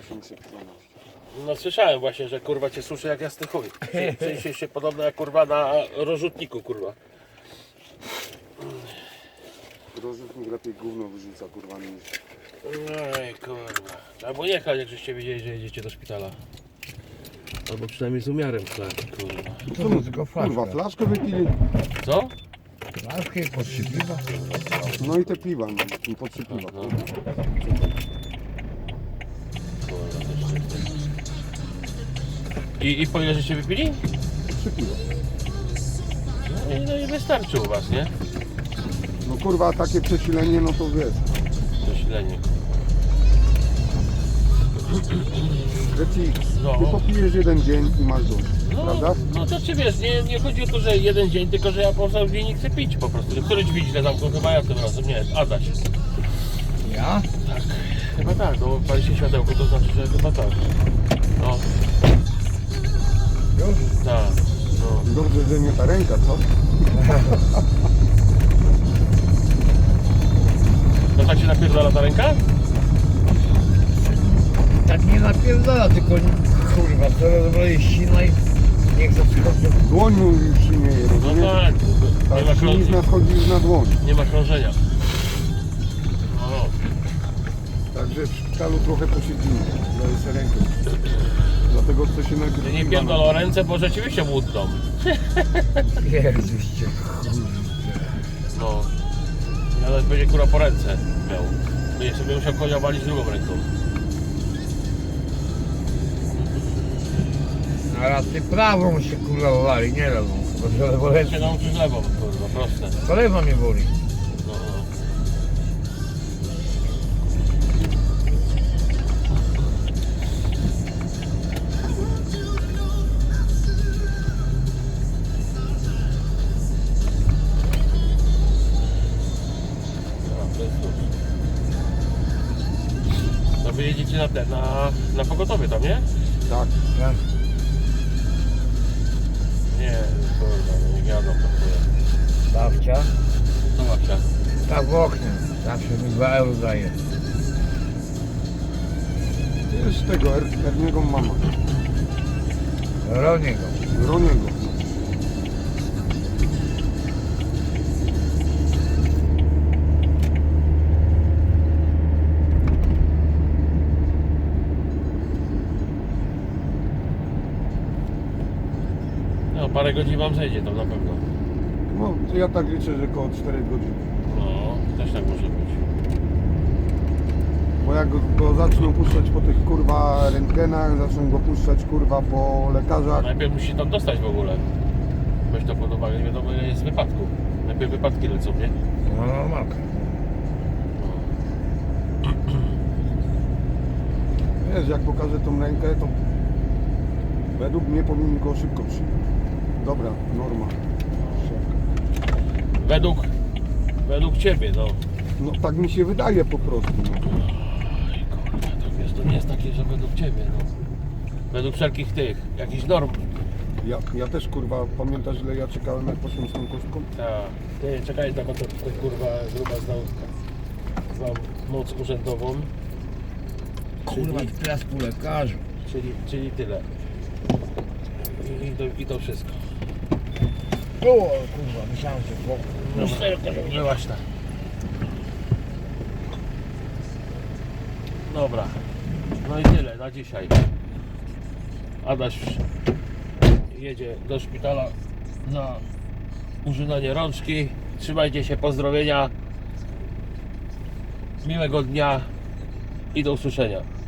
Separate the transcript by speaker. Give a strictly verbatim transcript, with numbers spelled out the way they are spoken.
Speaker 1: osiemset dwanaście.
Speaker 2: No słyszałem właśnie, że kurwa cię suszy jak jasny chuj. W sensie się podobno jak kurwa na rozrzutniku kurwa.
Speaker 1: Rozrzutnik lepiej gówno wyrzuca kurwa niż...
Speaker 2: Ej kurwa. Albo jechać jak żeście wiedzieli, że jedziecie do szpitala. Albo przynajmniej z umiarem chleb, kurwa.
Speaker 3: To no tylko flaszka.
Speaker 1: Kurwa, flaszkę wypili.
Speaker 2: Co?
Speaker 3: Flaszkę i podszy piwa.
Speaker 1: No i te piwa, no, i po trzy piwa.
Speaker 2: No.
Speaker 1: kurwa.
Speaker 2: Kurwa, też szybko. I, I po ile żeście wypili?
Speaker 1: Trzy piwa.
Speaker 2: No i, no i wystarczy u was, nie?
Speaker 1: No kurwa, takie przesilenie, no to wiesz.
Speaker 2: Zasilenie.
Speaker 1: Że ci,
Speaker 2: No.
Speaker 1: ty popijesz jeden dzień i masz dość,
Speaker 2: No,
Speaker 1: prawda?
Speaker 2: no to czy wiesz, nie, nie chodzi o to, że jeden dzień, tylko że ja po prostu dzień nie chcę pić po prostu. Który drzwi źle zamknął? Chyba ja tym razem, nie, Adaś.
Speaker 3: Ja?
Speaker 2: Tak, chyba tak, no pali się światełko, to znaczy, że chyba tak. No,
Speaker 3: Już?
Speaker 2: tak, no.
Speaker 1: Dobrze, że nie ta ręka, co?
Speaker 2: No tak się napierdala ta ręka?
Speaker 3: Tak nie napierdala, tylko kurwa, coraz bardziej ścina i nie chcę skoczyć.
Speaker 1: Dłoń mu już się nie je,
Speaker 2: No
Speaker 1: rozumiesz?
Speaker 2: tak, nie ma,
Speaker 1: Tak,
Speaker 2: krążenia,
Speaker 1: ślizna wchodzi już na dłoń.
Speaker 2: nie ma krążenia. No,
Speaker 1: Także w szpitalu trochę posiedzimy, daję sobie rękę. Dlatego chcę się najpierw...
Speaker 2: nie
Speaker 1: piwa
Speaker 2: pierdolą o ręce, bo rzeczywiście łudną.
Speaker 3: Jezuście,
Speaker 2: No, nawet będzie kurwa po ręce miał. Będzie sobie musiał konia walić drugą ręką.
Speaker 3: a raz ty prawą się kurwa wali, nie lewą. Bo że lewo
Speaker 2: Się
Speaker 3: lecę.
Speaker 2: nauczysz lewą, kurwa, proste.
Speaker 3: To lewa mnie boli.
Speaker 2: No, no. No, to jest luz. No wy jedziecie na te, na, na pogotowie tam, nie?
Speaker 1: Tak.
Speaker 3: Tak.
Speaker 2: Nie, kurwa, no nie jadą po chuja.
Speaker 3: Babcia.
Speaker 2: Co babcia?
Speaker 3: Tak w oknie. Zawsze mi dwa euro daje.
Speaker 1: To jest tego, Er- Erniego mama.
Speaker 3: Roniego.
Speaker 1: Roniego.
Speaker 2: No parę godzin wam zejdzie tam na pewno.
Speaker 1: No, to ja tak liczę, że około czterech godzin.
Speaker 2: No, też tak może być.
Speaker 1: Bo jak go, go zaczną puszczać po tych kurwa rentgenach, zaczną go puszczać kurwa po lekarzach.
Speaker 2: Najpierw musi się tam dostać w ogóle. Weź to pod uwagę, nie wiadomo ile jest wypadku. Najpierw wypadki lecą, nie?
Speaker 3: No normalka.
Speaker 1: Wiesz, jak pokażę tą rękę, to według mnie powinien go szybko przyjąć. Dobra, norma.
Speaker 2: Według, według ciebie, no.
Speaker 1: No tak mi się wydaje po prostu. No.
Speaker 2: Oj, kurwa, to wiesz, to nie jest takie, że według ciebie, no. Według wszelkich tych, jakichś norm.
Speaker 1: Ja, ja też kurwa, pamiętasz ile ja czekałem jak poszłem z tą kostką?
Speaker 2: Tak. Ty, czekaj, tam to tutaj kurwa gruba znał, znał moc urzędową.
Speaker 3: Kurwa,
Speaker 2: Czyli,
Speaker 3: teraz po lekarzu.
Speaker 2: czyli, czyli tyle. I, i, to, I to wszystko.
Speaker 3: O kurwa, myślałem, że po...
Speaker 2: No, no właśnie. Dobra. No i tyle na dzisiaj. Adaś jedzie do szpitala na użynanie rączki. Trzymajcie się, pozdrowienia. Miłego dnia i do usłyszenia.